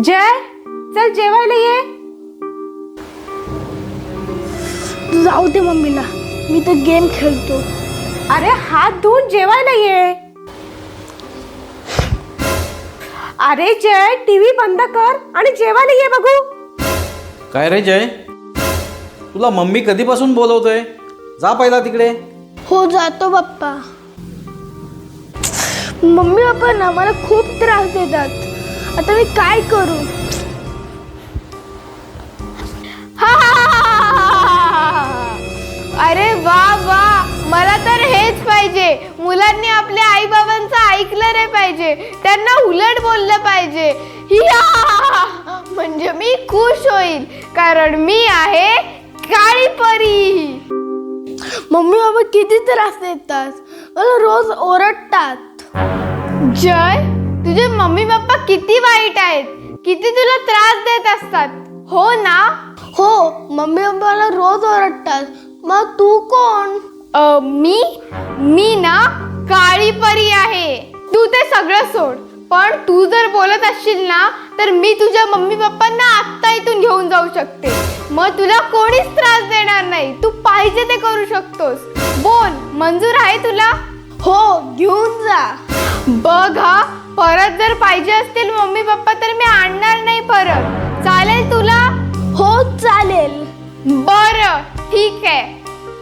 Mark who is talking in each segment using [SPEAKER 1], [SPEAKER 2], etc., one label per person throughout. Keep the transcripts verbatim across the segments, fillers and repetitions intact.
[SPEAKER 1] जय, चल जेवायला ये.
[SPEAKER 2] जाऊ दे मम्मीला, मी तर गेम खेळतो.
[SPEAKER 1] अरे हात धुवून जेवायला ये. अरे जय, टीव्ही बंद कर आणि जेवायला ये बघू.
[SPEAKER 3] काय रे जय, तुला मम्मी कधीपासून बोलवतोय? जा पहिला तिकडे.
[SPEAKER 2] हो जातो पप्पा. मम्मी पप्पा ना मला खूप त्रास देतात. आता मी काय करू?
[SPEAKER 1] हा हा, हा, हा. अरे वा वा, मला तर हेच पाहिजे. मुलांनी आपल्या आई बाबांचं ऐकलं नाही पाहिजे, त्यांना उलट बोललं पाहिजे. या म्हणजे मी खुश होईल, कारण मी आहे काळी परी.
[SPEAKER 2] मम्मी बाबा किती त्रास देतात, मला रोज ओरडतात.
[SPEAKER 1] जय, तुझे मम्मी पप्पा किती वाईट आहेत, किती तुला त्रास देत असतात, हो ना?
[SPEAKER 2] हो, मम्मी पप्पा मला रोज ओरडतात. मग तू कोण?
[SPEAKER 1] अ, मी मी ना काळी परी आहे. तू ते सगळं सोड, पण तू जर बोलत असशील ना तर मी तुझ्या मम्मी पप्पांना आत्ता इथून घेऊन जाऊ शकते. मग तुला कोणीच त्रास देणार नाही, तू पाहिजे ते करू शकतोस. बोल, मंजूर आहे तुला?
[SPEAKER 2] हो, घेऊन जा.
[SPEAKER 1] बघ हा, परत जर पाहिजे असतील मम्मी पप्पा तर मी आणणार नाही परत. चालेल तुला?
[SPEAKER 2] हो चालेल.
[SPEAKER 1] बरं, ठीक आहे.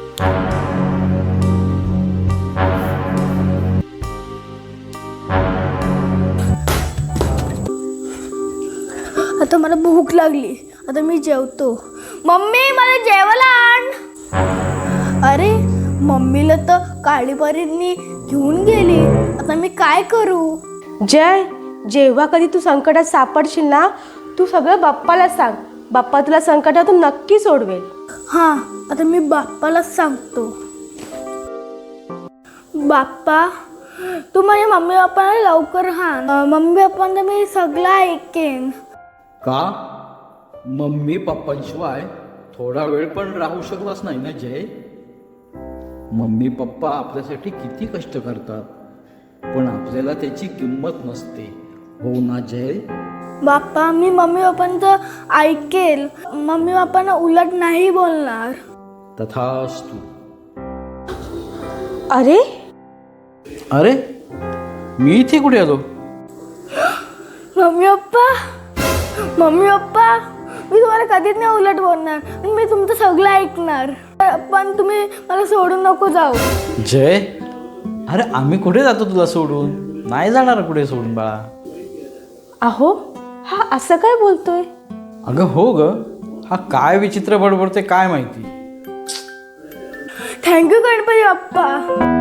[SPEAKER 2] आता मला भूक लागली, आता मी जेवतो. मम्मी मला जेवायला आण. अरे मम्मीला तर काळी परींनी घेऊन गेली, आता मी काय करू?
[SPEAKER 1] जय, जेव्हा कधी तू संकटात सापडशील ना, तू सगळं बाप्पाला सांग. बाप्पा तुला संकटातून नक्की सोडवेल.
[SPEAKER 2] हां, आता मी बाप्पालाच सांगतो. बाप्पा, तू माझ्या मम्मी पप्पाला लवकर आण. मम्मी पप्पांना मी सगळं ऐकेन.
[SPEAKER 3] का? मम्मी पप्पांशिवाय थोडा वेळ पण राहू शकलास नाही ना जय? मम्मी पप्पा आपल्यासाठी किती कष्ट करतात, पण आपल्याला त्याची किंमत नसते, हो ना जय?
[SPEAKER 2] बाप्पा, मी मम्मी पप्पांचं ऐकेल. मम्मी पप्पांना उलट नाही बोलणार.
[SPEAKER 3] तथास्तु.
[SPEAKER 1] अरे
[SPEAKER 3] अरे, मी इथे कुठे आलो?
[SPEAKER 2] मम्मी पप्पा, मम्मी पप्पा, मी तुम्हाला कधीच नाही उलट बोलणार. मी तुमचं सगळं ऐकणार, पण तुम्ही मला सोडून नको जाऊ.
[SPEAKER 3] जय, अरे आम्ही कुठे जातो तुला सोडून? नाही जाणार कुठे सोडून बाळा.
[SPEAKER 1] अहो, हा असं काय बोलतोय?
[SPEAKER 3] अगं हो ग, हा काय विचित्र बडबडते काय माहिती.
[SPEAKER 2] थँक्यू गणपती बाप्पा.